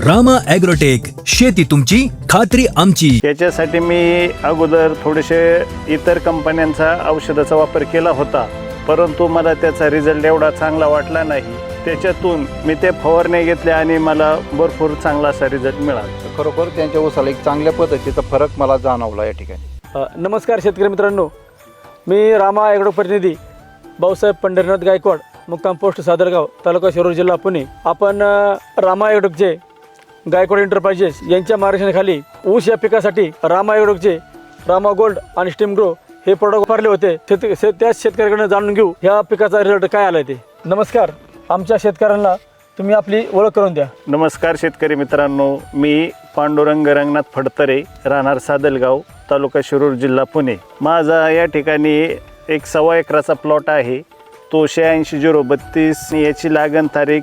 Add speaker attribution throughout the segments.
Speaker 1: Rama agrotech, शेती तुमची खात्री आमची।
Speaker 2: याच्यासाठी मी अगोदर थोडेसे इतर कंपन्यांचा औषधाचा वापर केला होता, परंतु मला त्याचा रिझल्ट एवढा चांगला वाटला नाही। त्याच्यातून मी ते फवारणी घेतले आणि मला भरपूर चांगला असा रिझल्ट मिळाला।
Speaker 3: खरोखर त्यांच्या ऊसाला एक चांगल्या पद्धतीचा फरक मला जाणवला या ठिकाणी।
Speaker 4: नमस्कार शेतकरी मित्रांनो, मी रामा ॲग्रो प्रतिनिधी भाऊसाहेब पंढरीनाथ गायकवाड, मुक्काम पोस्ट सादरगाव, तालुका शिरूर, जिल्हा पुणे। आपण रामा ॲग्रोटेकचे गायकवाड एंटरप्राइजेस यांच्या मार्गदर्शनाखाली ऊस या पिकासाठी रामा ॲग्रोटेकचे रामा गोल्ड आणि स्टीम ग्रो हे प्रोडक्ट वापरले होते। त्याच शेतकऱ्याकडून जाणून घेऊ ह्या पिकाचा रिझल्ट काय आला ते। नमस्कार, आमच्या शेतकऱ्यांना तुम्ही आपली ओळख करून द्या।
Speaker 2: नमस्कार शेतकरी मित्रांनो, मी पांडुरंग रंगनाथ फडतरे, राहणार सादलगाव, तालुका शिरूर, जिल्हा पुणे। माझा या ठिकाणी एक 1.25 एकराचा प्लॉट आहे। तो 86-032, याची लागण तारीख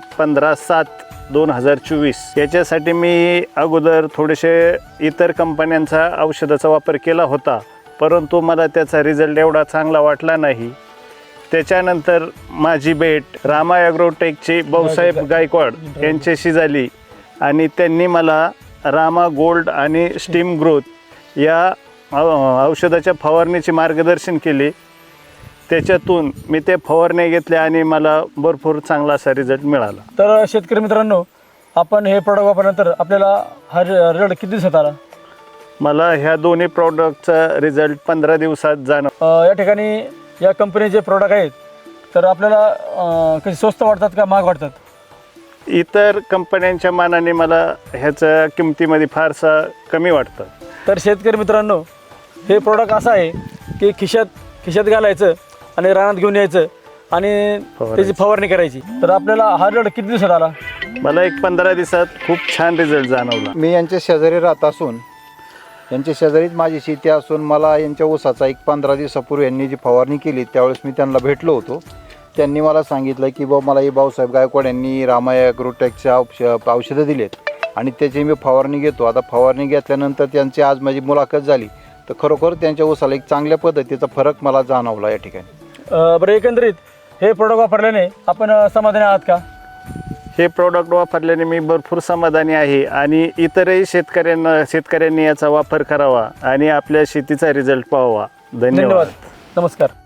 Speaker 2: 15/7/2024। याच्यासाठी मी अगोदर थोडेसे इतर कंपन्यांचा औषधाचा वापर केला होता, परंतु मला त्याचा रिझल्ट एवढा चांगला वाटला नाही। त्याच्यानंतर माझी भेट रामा ॲग्रोटेकचे भाऊसाहेब गायकवाड यांच्याशी झाली आणि त्यांनी मला रामा गोल्ड आणि स्टीम ग्रोथ या औषधाच्या फवारणीचे मार्गदर्शन केले। त्याच्यातून मी ते फवारणी घेतले आणि मला भरपूर चांगला असा रिझल्ट मिळाला।
Speaker 4: तर शेतकरी मित्रांनो, आपण हे प्रोडक्ट वापरल्यानंतर आपल्याला हा रिझल्ट किती दिवसात आला?
Speaker 2: मला ह्या दोन्ही प्रॉडक्टचा रिझल्ट 15 दिवसात जाणवला।
Speaker 4: या ठिकाणी या कंपनीचे प्रोडक्ट आहेत, तर आपल्याला कधी स्वस्त वाटतात का महाग वाटतात?
Speaker 2: इतर कंपन्यांच्या मानाने मला ह्याच्या किमतीमध्ये फारसा कमी वाटतं।
Speaker 4: तर शेतकरी मित्रांनो, हे प्रोडक्ट असं आहे की खिशात घालायचं आणि रानात घेऊन यायचं आणि त्याची फवारणी करायची। तर आपल्याला हा रिझल्ट किती दिवसात आला?
Speaker 2: मला एक 15 दिवसात खूप छान रिझल्ट जाणवला।
Speaker 3: मी यांच्या शेजारी राहत असून यांच्या शेजारीच माझी शेती असून मला यांच्या ऊसाचा एक 15 दिवसापूर्वी यांनी जी फवारणी केली त्यावेळेस मी त्यांना भेटलो होतो। त्यांनी मला सांगितलं की मला ही भाऊसाहेब गायकवाड यांनी रामा ॲग्रोटेकच्या औषधं दिलेत आणि त्याची मी फवारणी घेतो। आता फवारणी घेतल्यानंतर त्यांची आज माझी मुलाखत झाली, तर खरोखर त्यांच्या ऊसाला एक चांगल्या पद्धतीचा फरक मला जाणवला या ठिकाणी।
Speaker 4: बरं, एकंदरीत हे प्रोडक्ट वापरल्याने आपण समाधानी आहात का?
Speaker 2: हे प्रॉडक्ट वापरल्याने मी भरपूर समाधानी आहे आणि इतरही शेतकऱ्यांनी याचा वापर करावा आणि आपल्या शेतीचा रिझल्ट पाहावा। धन्यवाद।
Speaker 4: नमस्कार।